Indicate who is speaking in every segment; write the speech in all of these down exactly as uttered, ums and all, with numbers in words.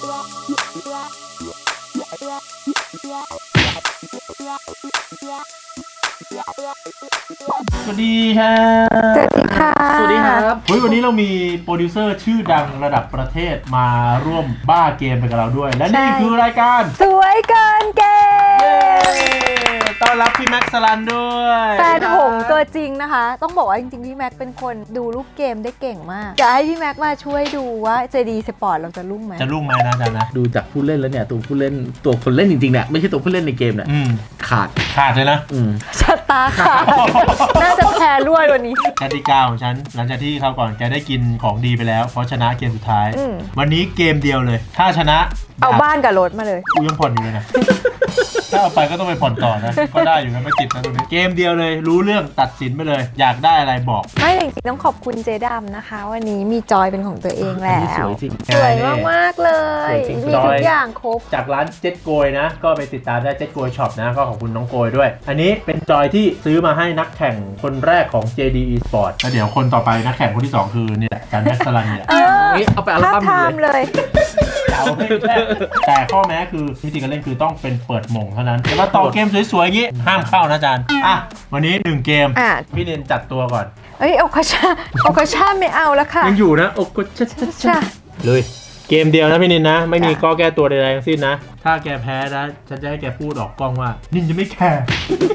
Speaker 1: สวัสดีฮะ
Speaker 2: สวัสดีค่ะ
Speaker 1: สวัสดีครับเฮ้ยวันนี้เรามีโปรดิวเซอร์ชื่อดังระดับประเทศมาร่วมบ้าเกมไปกับเราด้วยและนี่คือรายการ
Speaker 2: สวยเกินเกม
Speaker 1: ต้อนรับพี่แม็กซ์สลันด้วย
Speaker 2: แฟนหงตัวจริงนะคะต้องบอกว่าจริงๆพี่แม็กเป็นคนดูรูปเกมได้เก่งมากจะให้พี่แม็กมาช่วยดูว่า เจ ดี Sport เราจะรุ่งไหม
Speaker 1: จะรุ่งไหมนะจ๊ะนะ
Speaker 3: ดูจากผู้เล่นแล้วเนี่ยตัวผู้เล่นตัวคนเล่นจริงๆเนี่ยไม่ใช่ตัวผู้เล่นในเกมเนี่ยขาด
Speaker 1: ขาดเลยนะ
Speaker 2: ชะตาขาดน่าจะแพ้รวยวันนี้
Speaker 1: กติกาของฉันหลังจากที่เขาก่อนแกได้กินของดีไปแล้วเพราะชนะเกมสุดท้ายวันนี้เกมเดียวเลยถ้าชนะ
Speaker 2: เอาบ้านกับรถมาเลย
Speaker 1: กูยังผ่อนอยู่เลยนะถ้าเอาไปก็ต้องไปผ่อนต่อนะก็ได้อยู่นะไม่ติดนะตรงนี้เกมเดียวเลยรู้เรื่องตัดสินไปเลยอยากได้อะไรบอก
Speaker 2: ไม่จริงๆต้องขอบคุณเจดำนะคะวันนี้มีจอยเป็นของตัวเองแล้ว
Speaker 3: สวยจริง
Speaker 2: สวยมากๆเลยมีทุกอย่างครบ
Speaker 1: จากร้านเจ็ดโกยนะก็ไปติดตามได้เจ็ดโกยช็อปนะก็ขอบคุณน้องโกยด้วยอันนี้เป็นจอยที่ซื้อมาให้นักแข่งคนแรกของ เจ ดี Esport แล้วเดี๋ยวคนต่อไปนักแข่งคนที่สองคือนี่แหละการแม็กซ์สลันเนี่ย
Speaker 3: เอาไปอัลบั้ม
Speaker 2: เลย
Speaker 1: แต่ข้อแม้คือวิธีการเล่นคือต้องเป็นเปิดหม่งเท่านั้นแต่ว่าต่อเกมสวยๆอย่างนี้ห้ามเข้านะอาจารย์อ่ะวันนี้หนึ่งเกมพี่เนนจัดตัวก่อน
Speaker 2: เอ้ยโอคาชาโอคาชาไม่เอาแล้วค่ะ
Speaker 1: ยังอยู่นะโอคาชาเลยเกมเดียวนะพี่นินนะไม่มีข้อแก้ตัวใดๆทั้งสิ้นนะถ้าแกแพ้นะฉันจะให้แกพูดออกกล้องว่านินจะไม่แคร์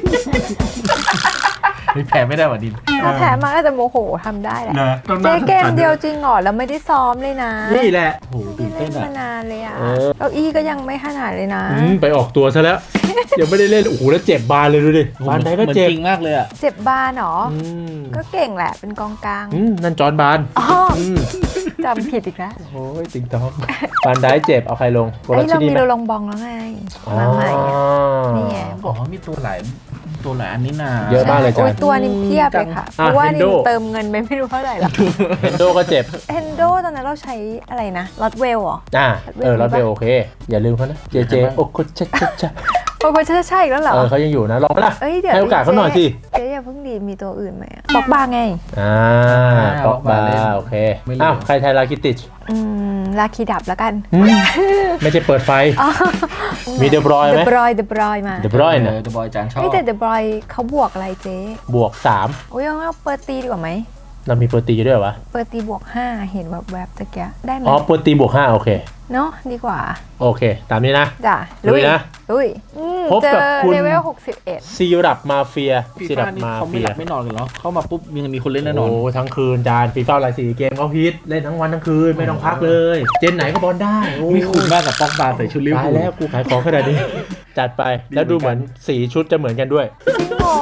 Speaker 1: ไม่แพ้ไม่ได้หว่านิน
Speaker 2: ถ้าแพ้มาก็จะโมโหทำได้แหละเจ๊เกมเดียวจริงเหรอแล้วไม่ได้ซ้อมเลยนะ
Speaker 1: นี่แหละ
Speaker 3: โอ้โหตื่นเต้น
Speaker 2: มานานเลยอ่ะเก้าอี้ก็ยังไม่ขนาดเลยนะ
Speaker 1: ไปออกตัวซะแล้วยังไม่ได้เล่นโอ้โหแล้วเจ็บบานเลยดูดิบานไหนก็เจ็บ
Speaker 3: จริงมากเลยอ่ะ
Speaker 2: เจ็บบานหรอก็เก่งแหละเป็นกองกลาง
Speaker 1: นั่นจอนบาน
Speaker 2: จำผิดอีกแล้ว
Speaker 1: โอ้ยติงต้องบานได้เจ็บเอาใครลง
Speaker 2: ไอ้เรามีเราลงบองแล้วไงมาใหม่นี่ไง
Speaker 3: บอกว่ามีตัวหลายตัวหลายอันนี้นา
Speaker 1: เยอะมากเลยจ้ะ
Speaker 2: ตัวนี้เพียบเลยค่ะเพราะว่านี่เติมเงินไปไม่รู้เท่าไหร่ละ
Speaker 1: เฮนโดก็เจ็บ
Speaker 2: เฮนโดตอนนั้นเราใช้อะไรนะลอตเวลเหรอ
Speaker 1: อ่าเออลอตเวลโอเคอย่าลืมเขานะเจเจโอ้โคชชช
Speaker 2: โอ้โคชชใช่แล้วเหรอ
Speaker 1: เออเขายังอยู่นะลองไหมล่ะให้โอกาสเขาหน่อยสิ
Speaker 2: เจ๊อย่าเพิ่งดีมีตัวอื่นไหมบอกบาไง
Speaker 1: อ่าบอกบาโอเคอ้าวใครไทยลาคิติช
Speaker 2: อืมลาคีดับแล้วกัน
Speaker 1: ไม่ใช่เปิดไฟมีเดบรอยไหม
Speaker 2: เดบรอยเดบรอยมา
Speaker 1: เดบรอยนะ
Speaker 3: เดบรอยจานชอบ
Speaker 2: แต่เดบรอยเขาบวกอะไรเจ๊
Speaker 1: บวกสาม
Speaker 2: โอ้ยเราเปิดตีดีกว่าไหม
Speaker 1: เรามีเปิดตีด้วยวะ
Speaker 2: เปิดตีบวกห้าเห็นแบบแบบตะเกียได้ไหม
Speaker 1: อ๋อเปิดตีบวกห้าโอเค
Speaker 2: เนาะดีกว่า
Speaker 1: โอเคตามนี้นะ
Speaker 2: จ้ะ
Speaker 1: ลุยนะ
Speaker 2: ลุย
Speaker 1: พบกับคุณ
Speaker 2: เลเวลหกสิบเอ็ด
Speaker 1: ซีรับมาเฟียซีรับมา
Speaker 3: เฟียไม่นอนกันเหรอเข้ามาปุ๊บยังมีคนเล่นแน่นอน
Speaker 1: โอ้ทั้งคืนจานฟีฟ่าหลายสีเกมเขาฮิตเล่นทั้งวันทั้งคืนไม่ต้องพักเลยเจนไหนก็บอลได้
Speaker 3: มีคุ้มมากกับป๊อกบาใส่ชุดลิเวอร์พูล
Speaker 1: แล้วกูขายของขนาดนี้จัดไปแล้วดูเหมือนสีชุดจะเหมือนกันด้วย
Speaker 2: จริงเหรอ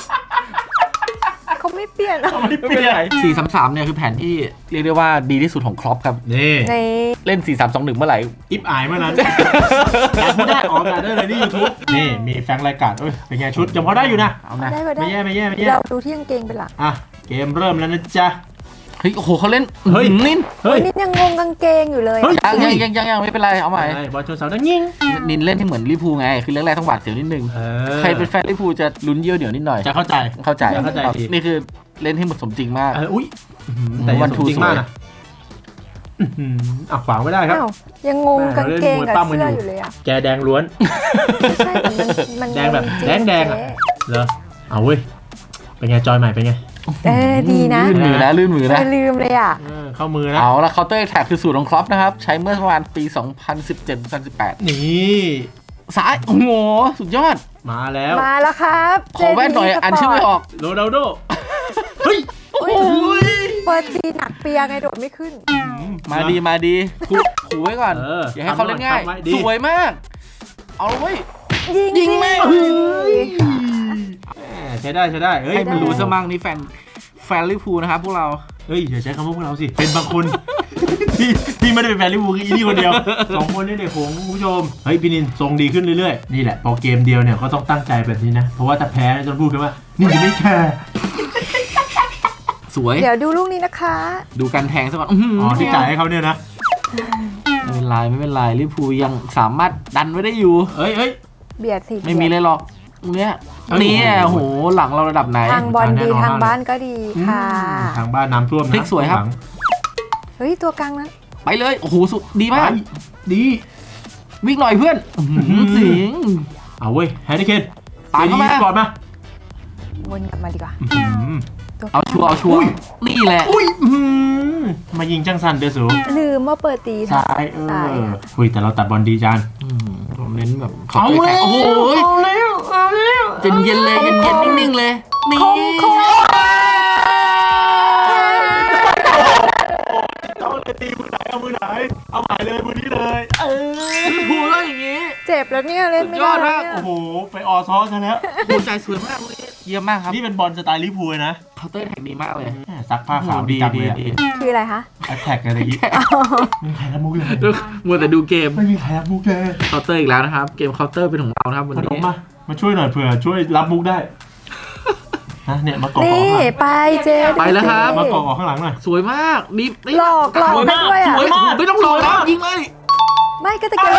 Speaker 2: เขาไม่เปลี่ยน
Speaker 1: ไม่เปลี่ยน
Speaker 3: สี่สามสามเนี่ยคือแผนที่เรียกได้ว่าดีที่สุดของครอปครับ
Speaker 1: นี่
Speaker 3: เล่นสี่สามสองหนึ่งเมื่อไหร่
Speaker 1: อิฟอายเมื่อนั้นไม่ได้ออกกันได้เลยนี่ยูทูบนี่มีแฟงรายการเอ้ยเป็นไงชุดยังพอได้อยู่นะ
Speaker 2: เอานะ
Speaker 1: ไม่แย่ไม่แย่ไม่แย่
Speaker 2: เราดูที่กางเกงเป็นหลัก
Speaker 1: อ่ะเกมเริ่มแล้วนะจ๊ะ
Speaker 3: เฮ้ยโอ้โหเขาเล่น
Speaker 1: เฮ้ย
Speaker 3: นิน
Speaker 2: เฮ้ยนินยังงงกางเกงอยู่เลย
Speaker 3: ยังยังยังยังไม่เป็นไรเอาใหม่
Speaker 1: บอลชนเสาดังยิง
Speaker 3: นินเล่นที่เหมือนลิพูไงคือเรื่องแรกต้องหวาดเสียวนิดนึงใครเป็นแฟนลิพูจะลุ้นเยี่ยวเดี๋ยวนิดหน่อย
Speaker 1: จะเข้าใจ
Speaker 3: เข้าใจ
Speaker 1: เข้าใจ
Speaker 3: นี่คือเล่นให้หมดสมจริงมาก
Speaker 1: อุ้ยแต่วันทูจริงมากนะอ่ะขวางไม่ได้ครับ
Speaker 2: ยังงงกางเกงกับเสื้ออยู่เลยอ่ะ
Speaker 1: แกแดงล้วน
Speaker 2: ใช่มัน
Speaker 1: แดงแบบแดงแดงเหรอเอาเว้ยเป็นไงจอยใหม่เป็นไง
Speaker 2: เออดีนะ
Speaker 3: ลื่นมือนะลื่นมือนะ
Speaker 2: ลืมเลยอ่ะ
Speaker 1: เข้ามือนะ
Speaker 3: เอาละเคาน์เตอร์แท็กคือสูตรของครอปนะครับใช้เมื่อประมาณปีสองพันสิบเจ็ด สองพันสิบแปด
Speaker 1: นี่
Speaker 3: ซ้ายโอ้โหสุดยอด
Speaker 1: มาแล้ว
Speaker 2: มาแล้วครับ
Speaker 3: ขอแว่นหน่อยอ่านชื่อไม่ออก
Speaker 1: โรนัลโดเฮ้ย
Speaker 2: โอ้ยเปิดตีหนักเปียไงโดดไม่ขึ้น
Speaker 3: มาดีมาดีขู่ไว้ก่อนอย่าให้เขาเล่นง่ายสวยมากเอาเว้ยยิงแม่
Speaker 1: ใช้ได้ใช้ได้
Speaker 3: ให้มันรู้ซะมั่งนี่แฟนแฟนลิเวอร์พูลนะครับพวกเรา
Speaker 1: เฮ้ยอย่าใช้คำว่าพวกเราสิเป็นบางคนที่ที่ไม่ได้เป็นแฟนลิเวอร์พูลอีนี่คนเดียวสองคนนี่เด็กผมคุณผู้ชมเฮ้ยพี่นินทรงดีขึ้นเรื่อยๆนี่แหละพอเกมเดียวเนี่ยก็ต้องตั้งใจแบบนี้นะเพราะว่าถ้าแพ้จะพูดกันว่านี่จะไม่แคร์
Speaker 3: สวย
Speaker 2: เดี๋ยวดูลูกนี้นะคะ
Speaker 3: ดูการแทงซะก่อน
Speaker 1: อ๋อที่จ่ายให้เขาเนี่ยนะ
Speaker 3: ไม่เป็นไรไม่เป็นไรลิเวอร์พูลยังสามารถดันไว้ได้อยู่
Speaker 1: เฮ้ยเฮ้ย
Speaker 2: เบียดสิ
Speaker 3: ไม่มีเลยหรอกเนี้ยนี่โหหลังเราระดับไหน
Speaker 2: ทางบอลดีทางบ้านก็ดีค่ะ
Speaker 1: ทางบ้านน้ำท่วมนะ
Speaker 3: พลิกสวยครับ
Speaker 2: เฮ้ยตัวกลางนั้น
Speaker 3: ไปเลยโอ้โหสุดดีมาก
Speaker 1: ดี
Speaker 3: วิ่งหน่อยเพื่อนสิง
Speaker 1: เอาเว้ยแฮร์รี่เคน
Speaker 3: ตามเข้ามา
Speaker 1: ก่อนมา
Speaker 2: วนกลับมาดีกว่า
Speaker 3: เอาชัวร์เอาชัวร์นี่แหละ
Speaker 1: อุ้ยมายิงจังสันเดสู
Speaker 2: ลืมว่าเปิดตี
Speaker 1: ซ้ายเออคุยแต่เราตัดบอลดีจาน
Speaker 3: ผมเน้นแบบ
Speaker 1: เอาเลย
Speaker 3: โอ้โห
Speaker 1: เอาแล้วเอาแล้ว
Speaker 3: เย็นเย็นเลยเย็นเย็นนิ่งๆเลยนี่
Speaker 2: คงคง
Speaker 1: เอาเลยตีมือไหนเอามือไหนเอาหมายเลยมือนี้เลยเออ
Speaker 3: พูดแล้วอย่างงี้
Speaker 2: เจ็บแล้วเนี่ยเล่นไม่
Speaker 3: สุดย
Speaker 2: ได้
Speaker 3: อดมาก
Speaker 2: เนี่ย
Speaker 1: โอ้โหไปออซอซะแล้ว
Speaker 3: หัวใจสวยมากเลยเยี่ยมมากครับ
Speaker 1: นี่เป็นบอลสไตล์ลิเวอร์พูลนะ
Speaker 3: เคาน์เตอร์แท็กดีมากเลย
Speaker 1: แม่ซักผ้าขาว
Speaker 3: ดี
Speaker 1: จัง
Speaker 3: ดี
Speaker 1: เลย
Speaker 3: ดี
Speaker 2: คืออะไรคะ
Speaker 1: แอตแทกอะไรอย่างงี้ไม่มีใครรับมุกเลย
Speaker 3: มัวแต่ดูเกม
Speaker 1: ไม่มีใครรับมุกเลย
Speaker 3: เคาน์เตอร์อีกแล้วนะครับ เกมเคาน์เตอร์เป็นของเรานะครับวัน
Speaker 1: ขน
Speaker 3: นี้
Speaker 1: มมามาช่วยหน่อยเผื่อช่วยรับมุกได้นะเนี่ยมากอก
Speaker 2: นี่
Speaker 1: ข้างหลัง
Speaker 2: ไปเจ
Speaker 3: ไปแล้วครับ
Speaker 1: มากอกข้างหลังหน่อย
Speaker 3: สวยมากนี่นี่
Speaker 2: หลอกหลอก
Speaker 1: สวย
Speaker 2: ได้
Speaker 1: มาก
Speaker 2: ด้วยอ่ะ
Speaker 1: สวยมาก
Speaker 3: ไม่ต้องหลอกแล้วยิงเลย
Speaker 2: ไม่ก็ตะเกียบ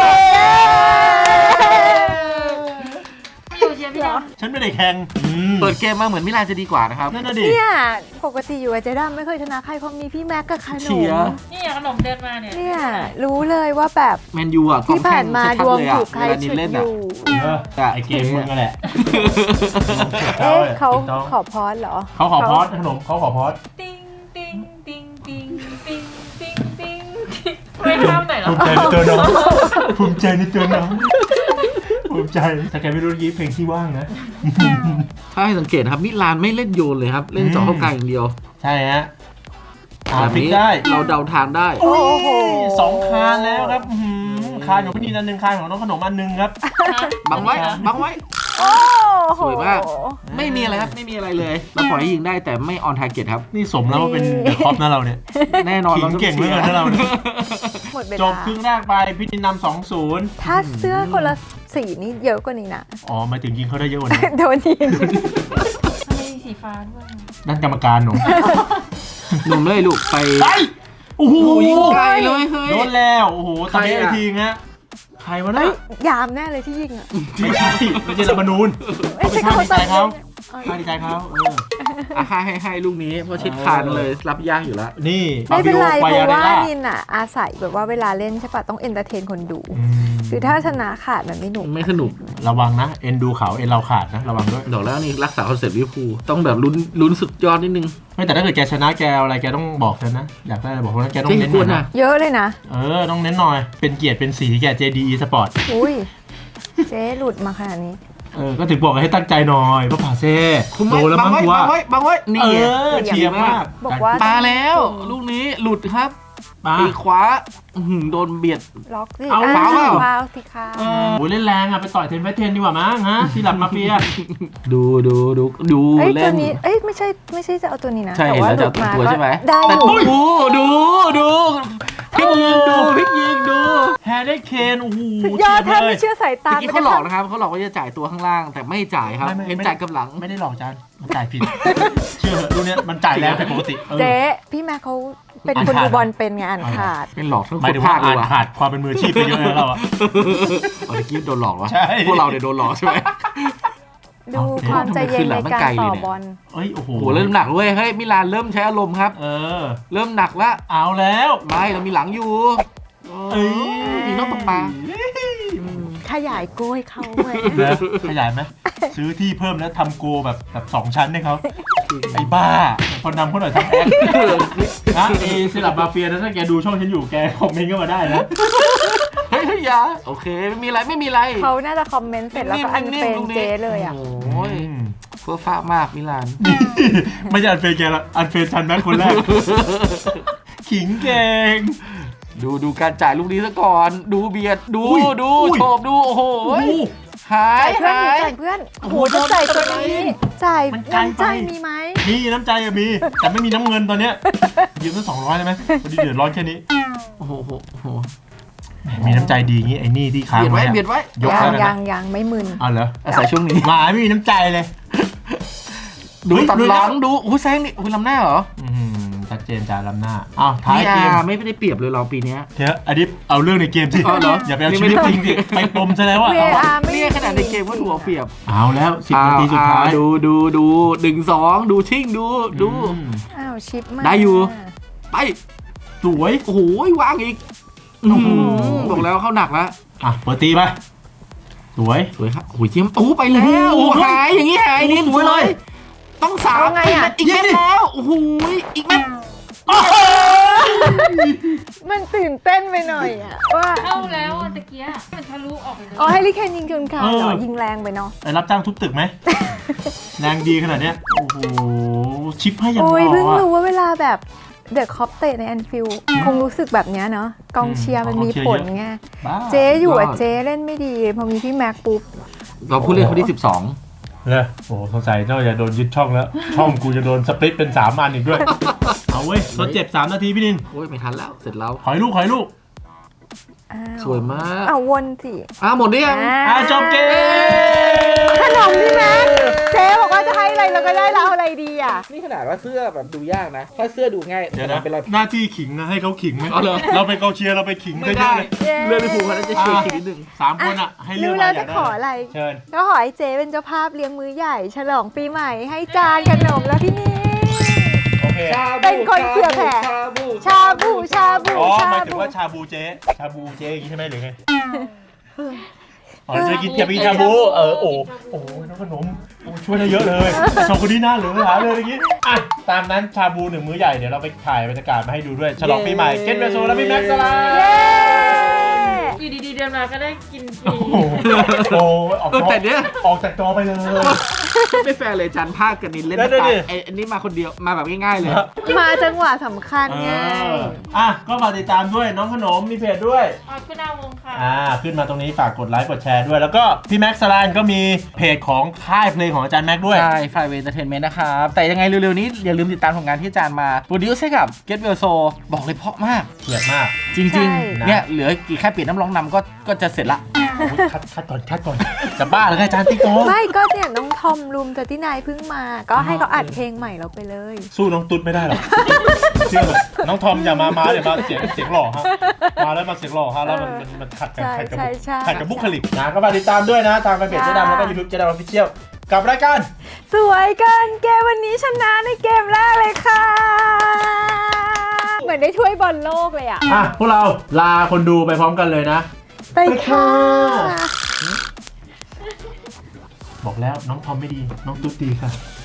Speaker 4: อยู่เชียร์พี่ดาว
Speaker 1: ฉันไม่ได้แข่ง
Speaker 3: เปิดเกมมาเหมือนมิลานจะดีกว่านะครับ
Speaker 1: นั่นน่ะดิ
Speaker 2: เนี่ยปกติอยู่กับเจด้าไม่เคยชนะใครเพราะมีพี่แม็กกับขน
Speaker 3: เชี
Speaker 2: ม
Speaker 3: ยร์
Speaker 4: นี่ขนมเดินมาเนี่ย
Speaker 2: เนี่ยรู้เลยว่าแบบ
Speaker 3: แมนยูอ่ะกอง
Speaker 2: ที่
Speaker 3: แข่
Speaker 2: ผ่าง นมา
Speaker 3: ชั
Speaker 2: ด
Speaker 3: ด
Speaker 2: วง
Speaker 3: ๆเลยอ่ะ
Speaker 2: ถูกใคร
Speaker 3: เวลานิ
Speaker 2: ฉุ
Speaker 3: น
Speaker 2: ด
Speaker 3: เล่น
Speaker 2: อ
Speaker 3: อ่ะ
Speaker 2: ยู่
Speaker 1: เออไอเกมมึงก็แหละ
Speaker 2: เอ๊ะเขาขอพอสเหรอ
Speaker 1: เขาขอพอสขนมเขาขอพอส
Speaker 4: ติ้งติ้งติ้งติ้งติ้งติ้งติ้งไม่ข้ามไหนหรอ
Speaker 1: ภูมิใจในตัวน้องภูมิใจในตัวน้องภูมิใจถ้าแกไม่รู้ยี่เพลงที่ว่างนะ
Speaker 3: ถ้าให้สังเกตนะครับมิลานไม่เล่นโยนเลยครับ เล่นเจาะเข้ากลางอย่างเดียว
Speaker 1: ใช่ฮะอ่า
Speaker 3: แบบ
Speaker 1: พลิก
Speaker 3: นี้
Speaker 1: ได้
Speaker 3: เราเดาทางได้
Speaker 2: โอ้โห
Speaker 1: สองคานแล้วครับอื้อหือคานของพี่นีนันหนึ่งคานของน้องขนมอันหนึ่งครับ
Speaker 3: บังไว้บังไว้
Speaker 2: โอ้โห
Speaker 3: สวยมาก ไม่มีอะไรครับไม่มีอะไรเลยเราปล่อยให้ยิงได้แต่ไม่ออนทาร์เก็ตครับ
Speaker 1: นี่สมแล้วว่าเป็นเดอะคอปนะเราเนี่ย
Speaker 3: แน่นอน
Speaker 1: ขิงเก่งเหลือเกินนะเราเนี่ย
Speaker 2: หมดเว
Speaker 1: จ
Speaker 2: ลา
Speaker 1: บครึ่งแรกไปพี่นินนำสองศูนย์
Speaker 2: ถ้าเสื้อคนละสีนี่เยอะกว่านี้นะ
Speaker 1: อ๋อหมายถึงยิงเขาได้เยอะกว่านี้
Speaker 2: โดนยิง
Speaker 4: ทำไมมีสีฟ้าด้วย
Speaker 1: นั่นกรรมการหนู
Speaker 3: หนุ่มเลยลูกไป
Speaker 1: ไปโอ้โห
Speaker 3: ยิงไกลเลยเฮ้ย
Speaker 1: โดนแล้วโอ้โห
Speaker 3: ใคร
Speaker 1: ตะเบะ
Speaker 3: อะ
Speaker 1: ทีฮะใครวะ
Speaker 2: เฮ้
Speaker 1: น่ะ
Speaker 2: ยยามแน่เลยที่ยิงอ่ะ
Speaker 1: ไม่ใช่ไม่ใช่รัฐธรรมนูญ
Speaker 2: ไม่ใช่
Speaker 1: ไม่ใช่
Speaker 2: เขา
Speaker 1: ไม่ดีใจเขา
Speaker 2: เออ
Speaker 1: ไม่ดีใจเขาเออ
Speaker 3: อ่ะให้ให้ให้ลูกนี้เพราะชิดคานเลยรับยากอยู่แล้ว
Speaker 1: นี่
Speaker 2: ไม่เป็นไร
Speaker 1: ฟา
Speaker 2: เพ
Speaker 1: บิโอ
Speaker 2: ราะว่า
Speaker 1: ไฟอาเรล่
Speaker 2: นินอ่ะอาศัยแบบว่าเวลาเล่นใช่ปะต้องเอนเตอร์เทนคนดู
Speaker 1: อืม
Speaker 2: คือถ้าชนะขาดมันไม่หนุก
Speaker 3: ไม่สนุก
Speaker 1: ระวังนะเอ็นดูเขาเอ็นเราขาดนะระวังด้วย
Speaker 3: ดอกแล้วนี่รักษาคอนเซ็ปต์ลิเวอร์พูลต้องแบบลุ้นลุ้นสุดยอดนิดนึง
Speaker 1: ไม่แต่ถ้าเกิดแกชนะแกเอาอะไรแกต้องบอกฉันนะอยากได้อะไรบอกว่าแกต้อง
Speaker 3: เจ๊
Speaker 1: เน้น
Speaker 3: ก
Speaker 1: หน่
Speaker 3: ว
Speaker 1: อน ย
Speaker 3: นะ
Speaker 1: นะ
Speaker 2: เยอะเลยนะ
Speaker 1: เออต้องเน้นหน่อยเป็นเกียรติเป็นสีแก เจ ดี Sport
Speaker 2: อุ้ยเจ๊หลุดมาขนาดนี้
Speaker 1: เออก็ถึงบอกให้ตั้งใจหน่อยเพราะผ่าเซ่
Speaker 3: คุณ
Speaker 1: โดนแล้ว
Speaker 3: บั
Speaker 1: มั้ง
Speaker 3: ไว้
Speaker 1: กู
Speaker 3: บั
Speaker 1: ว่า
Speaker 3: งไว้บังไว้นี่
Speaker 1: เอ
Speaker 3: ไง
Speaker 1: อเชียร์มาก
Speaker 2: บอกว่า
Speaker 3: มาแล้วลูกนี้หลุดครับ
Speaker 1: มา
Speaker 3: ปีกขวาอื้อหือโดนเบียด
Speaker 2: ล็อกสิ
Speaker 1: เอา
Speaker 2: อ่ะ
Speaker 3: ฟาวล์เปล่า
Speaker 2: ฟาวล์สิคะ
Speaker 1: โอ้ยเล่นแรงอ่ะไปต่อยเทนไฟเทนดีกว่ามั้งฮะที่หลับมาเฟีย
Speaker 3: ดูดูดูดู
Speaker 2: เอ้ย
Speaker 3: เล่
Speaker 2: ตัวน นี้เอ้ยไม่ใช่ไม่ใช่จะเอาตัวนี้นะ
Speaker 3: ใช่
Speaker 2: แต่
Speaker 3: เห็น
Speaker 2: ว่า
Speaker 3: แล้ว
Speaker 2: ห
Speaker 3: จะ
Speaker 2: ลุดมา
Speaker 3: ตัวใช่ไหม
Speaker 2: ได้
Speaker 3: แต่
Speaker 2: อยู่
Speaker 3: ดูดูดูพลิกยิงดูพลิกยิงดู
Speaker 1: แฮร์รี่เคนโอ้โห
Speaker 2: สุดยอดแทบ
Speaker 1: เล
Speaker 2: ไม่เชื่อสายตา
Speaker 3: เมื่อกี้เขาหลอกนะครับเขาหลอกว่าจะจ่ายตัวข้างล่างแต่ไม่จ่ายครับ
Speaker 1: ไม่ไม่
Speaker 3: เห็น
Speaker 1: ไม่
Speaker 3: จ่ายกับหลัง
Speaker 1: ไม่ได้หลอกจานมันจ่ายผิด เชื่อเหอะรุ่นเนี้ยมันจ่ายแรงผิดปกติเออ
Speaker 2: เจ๊พี่แม่เขาเป็นคนดูบอลเป็นไงอ่านขาด
Speaker 3: เป็นหลอกทั้ง
Speaker 1: หมาย
Speaker 3: ค
Speaker 1: ถึ
Speaker 3: น
Speaker 1: งว่า
Speaker 3: ภาคเล
Speaker 1: อ่าย น
Speaker 3: ว่ะ
Speaker 1: ขาดความเป็นมืออาชีพไปเยอะเลยเราอะ
Speaker 3: อ๋อตะกี้โดนหลอกวะ
Speaker 1: ใช่
Speaker 3: พวกเราเนี่ยโดนหลอกใช่ไหม
Speaker 2: ดูความใจเย็นในการต่อบอล
Speaker 1: เอ้ยโอ้โห
Speaker 3: โหเริ่มหนักเว้ยเฮ้ยมิลานเริ่มใช้อารมณ์ครับ
Speaker 1: เออ
Speaker 3: เริ่มหนักละ
Speaker 1: เอาแล้ว
Speaker 3: ไม่เรามีหลังอยู่
Speaker 1: เอ้ย
Speaker 3: ยิงนอกตกปลา
Speaker 2: ขยายโก้ให้เขาเลย
Speaker 1: นะขยายไหมซื้อที่เพิ่มแล้วทำโกแบบแบบสองชั้นให้เขาไอ้บ้าคนนำเขาหน่อยทำแอคนะเอสลับมาเฟียนะถ้าแกดูช่องฉันอยู่แกคอมเมนต์ก็มาได้นะ
Speaker 3: เฮ้ยเฮ้ยอยาโอเคไม่มีอะไรไม่มีอะไร
Speaker 2: เขาน่าจะคอมเมนต์เสร็จแล้วก็อันเฟรนเจ๊เลยอ่ะ
Speaker 3: โอ้ยเพื่อฟ้ามากมิลาน
Speaker 1: นี่ไม่ใช่อันเฟรนแกละอันเฟรนชันแม็กคนแรกขิงเก่ง
Speaker 3: ดูดูการจ่ายลูกนี้ซะก่อน ดูเบียดดู
Speaker 1: อุ้ย
Speaker 3: ดู
Speaker 1: อุ้ย
Speaker 3: โฉบดูโอ้โห
Speaker 1: โอ้โห
Speaker 3: หาย
Speaker 2: จ่ายเพื่อน
Speaker 3: หาย
Speaker 2: จ่ายเพื่อนโอ้โห
Speaker 3: โอ้โห
Speaker 2: จะจ่าย
Speaker 3: โด
Speaker 2: ตัวน นี้จ่าย
Speaker 1: มันไกล
Speaker 2: น้ำใจ
Speaker 1: ไป
Speaker 2: มีไหม
Speaker 1: มีน้ำใจอะมี แต่ไม่มีน้ำเงินตอนเนี้ยยืมตั้งสองร้อยได้ไหมพอดีเดือดร้อนแค่นี้
Speaker 3: โอ้โหโอ้โหโอ้โห
Speaker 1: แหมมีน้ำใจดีงี้ไอ้นี่ที่ค้าง
Speaker 3: เบียดไว้
Speaker 1: ไว้อะ
Speaker 3: เบียดไว้
Speaker 1: ยก
Speaker 2: ยั
Speaker 1: ให้
Speaker 2: ง
Speaker 1: เลย
Speaker 2: ยั
Speaker 1: นะ
Speaker 2: งยังไม่มึน
Speaker 1: อ๋อเหรอ
Speaker 3: อาศัยช่วงนี้
Speaker 1: หมาไม่มีน้ำใจเลย
Speaker 3: ดู
Speaker 1: เฮ้ย
Speaker 3: ตัด
Speaker 1: ลุย
Speaker 3: ห
Speaker 1: แล้
Speaker 3: ลั
Speaker 1: ว
Speaker 3: งดูโอ้ยแซงนี่โอ้ยลำหน้าเหรอ
Speaker 1: อื้อหือชัดเจนจาลำหน้าอ้าวท้าย
Speaker 3: นี่
Speaker 1: เกม
Speaker 3: อ่ะไม่ได้เปรียบเลยเราปีเนี้ย
Speaker 1: เถอะอันนี้เอาเรื่องในเกมสิ
Speaker 3: อ๋อเหรอ
Speaker 1: อย่าไปเอา
Speaker 3: นี่
Speaker 1: ชี
Speaker 3: ไม่
Speaker 1: วิต
Speaker 3: ได้
Speaker 1: จริงสิไปปมซะแล้วอะ
Speaker 2: เวอาไม่
Speaker 3: นี่ขนาดในเกมก็ถูกเอาเปรียบ
Speaker 1: เอาแล้วสิบนาทีสุดท้าย
Speaker 3: อ่ดูดูดูดึงสองดูชิ่งดูดู
Speaker 1: อืม
Speaker 2: อ้าวชิปมา
Speaker 3: ได้อยู่ ไป
Speaker 1: สวย
Speaker 3: โอ้โหวางอีกโอ้โหบอกแล้วเข้าหนักแล้ว
Speaker 1: อ่ะเปิดตีไปสวย
Speaker 3: สวยครับโอ้ยเจียมโอ้ไปแล้วโอ้หายอย่างงี้หายนี่สวยเลยต้องสาม
Speaker 2: เอาไงอะ
Speaker 3: อีกเม็ดแล้วโอ้โหอีกเม็ด
Speaker 2: มันตื่นเต้นไปหน่อยอะว่า
Speaker 4: เข้าแล้วอะตะเกียมันทะลุออกไปเลย
Speaker 2: อ๋อให้ลิเคนยิงคืนขาเหรอยิงแรงไปเนาะ
Speaker 1: ไอ้รับจ้างทุบตึกไหม แรงดีขนาดเนี้ยโอ้โหชิปให้อย่างห
Speaker 2: โอ้ย
Speaker 1: ล่
Speaker 2: เพิ่ง
Speaker 1: อ
Speaker 2: รู้
Speaker 1: อะ
Speaker 2: ว่าเวลาแบบเดอะคอปเตะในแอนฟิลคงรู้สึกแบบเนี้ยเนาะกองเชียร์มันมีผลไง
Speaker 1: บ้า
Speaker 2: เจ๊อยู่อะเจ๊เล่นไม่ดีพอมีพี่แม็กปุ๊บ
Speaker 3: เราผู้เล่นคนที่สิบสอง
Speaker 1: เลยโอ้โหสงสัยน่าจะโดนยึดช่องแล้ว ช่องกูจะโดนสปลิตเป็นสามอันอีกด้วย เอาเว้ยทดเจ็บสามนาทีพี่นิน
Speaker 3: โอ้ยไม่ทันแล้วเสร็จแล้ว
Speaker 1: ขอยลูกขอยลูก
Speaker 2: อ้าว
Speaker 3: สวยมาก
Speaker 2: เอาวนสิ
Speaker 3: อ้าวหมดหรือยัง
Speaker 1: อ่ะจบเกม
Speaker 2: ขนมพี่แม็กเจ๊บอกว่าจะให้อะไรเราก็ได้เราเอาอะไรดีอ่ะ
Speaker 3: นี่ขนาดว่าเสื้อแบบดูยากนะถ้าเสื้อดูง่าย
Speaker 1: เดี๋ยวนะ
Speaker 3: เป็นไร
Speaker 1: หน้าที่ขิงนะให้เขาขิงไหม
Speaker 3: เอาเหรอ
Speaker 1: เราเป็นกองเชียร์เราไปขิง
Speaker 3: ไม่
Speaker 1: เย
Speaker 3: ได้
Speaker 1: อะๆเลย
Speaker 2: เย้
Speaker 3: เลื่อนไปผูกเขาแล้วจะเชียร์อีกนิดนึง
Speaker 1: สามคนอ่ะให้เลือก
Speaker 2: รู้
Speaker 1: มา
Speaker 2: แล้ว
Speaker 1: อ
Speaker 2: จะ
Speaker 1: ยากได้
Speaker 2: ขออะไร
Speaker 1: เชิญ
Speaker 2: ก็ขอให้เจ๊เป็นเจ้าภาพเลี้ยงมื้อใหญ่ ฉลองปีใหม่ให้จานขนมแล้วพี่นี่
Speaker 1: โอเค
Speaker 2: เป็นคนเผื่อแผ่
Speaker 3: ชาบู
Speaker 2: ชาบูชาบู
Speaker 1: อ๋อห
Speaker 2: ชาม
Speaker 1: ายถึง
Speaker 2: บู
Speaker 1: ว่าชาบูเจ๊ชาบูเจ๊อย่างนี้ใช่ไหมหรือไงอ๋อจะกินจะไปกินชาบูเออโอ้โอ้น้องขนมโอ้ช่วยได้เยอะเลยสองคนนี้น่าเหลือหาเลยเมื่อกี้อ่ะตามนั้นชาบูหนึ่งมื้อใหญ่เดี๋ยวเราไปถ่ายบรรยากาศมาให้ดูด้วยฉลองปีใหม่เกนเบโซและพี่แม็กซ์สลา
Speaker 2: เย้
Speaker 4: อยู่ดีๆเดินมาก็ได้กินฟรี
Speaker 1: โอ้โหโอ้ออก
Speaker 3: เออแต่เนี้ย
Speaker 1: ออกจากจอไปเลย
Speaker 3: ไม่แฟร์เลยจันภาคกับนินเล่น
Speaker 1: ได้
Speaker 3: ตา
Speaker 1: ดิ
Speaker 3: ไอ้อันนี้มาคนเดียวมาแบบง่ายๆเลย
Speaker 2: มาจังหวะสำคัญ
Speaker 1: เอ
Speaker 2: ไง
Speaker 1: ออ่ะก็ฝากติดตามด้วยน้องขนมมีเพจด้วย
Speaker 4: อ๋อคุณอาวงค่ะ
Speaker 1: อ่าขึ้นมาตรงนี้ฝากกดไลค์กดแชร์ด้วย แล้วก็พี่แม็กซ์สลานก็มีเพจของค่ายเพลงของอาจารย์แม็กซ์ด้วย
Speaker 3: ใช่ไฟเวย์เอนเตอร์เทนเมนต์นะครับ แต่ยังไงเร็วๆนี้อย่าลืมติดตามผลงานที่อาจารย์มาโปรดิวซ์ให้กับ Get Well So บอกเลยเพราะมาก
Speaker 1: เกลียดมาก
Speaker 3: จริง
Speaker 2: ใช่
Speaker 3: ๆ เนี่ยเหลือกี่แค่เปลี่ยนน้ำร้องนำก็ก็จะเสร็จละ
Speaker 1: โอ้ยคัดคัดก่อนคัดก่อนจะบ้าเหรออาจารย์ติ๊กโก้
Speaker 2: ไม่ก็เนี่ยน้องทอมรูมแต่ที่นายเพิ่งมา ก็ให้เขาอัดเพลงใหม่เราไปเลย
Speaker 1: สู้น้องตุ๊ดไม่ได้หรอกเชื่อเลยน้องทอมอย่ามามาเดี๋ยวมาเสียงเสียงหล่อฮะมาแล้วมาเสียงหล่อฮะแล้วมันมันมันขัดกัน
Speaker 2: ใช่
Speaker 1: ขัดกับ
Speaker 2: ใช่ใช่
Speaker 1: ขัดกับบุคลิกนะก็มาติดตามด้วยนะทางแฟนเพจเจ๊ดำแล้วก็ยูทูบเจ๊ดำออฟฟิเชียลกับรายการ
Speaker 2: สวยเกินเกมวันนี้ชนะในเกมแรกเลยค่ะ เหมือนได้ถ้วยบอลโลกเลยอ่ะ
Speaker 1: อ่ะพวกเราลาคนดูไปพร้อมกันเลยนะ
Speaker 2: ไปค่ะ
Speaker 1: บอกแล้วน้องทอมไม่ดีน้องตุ๊ดดีค่ะ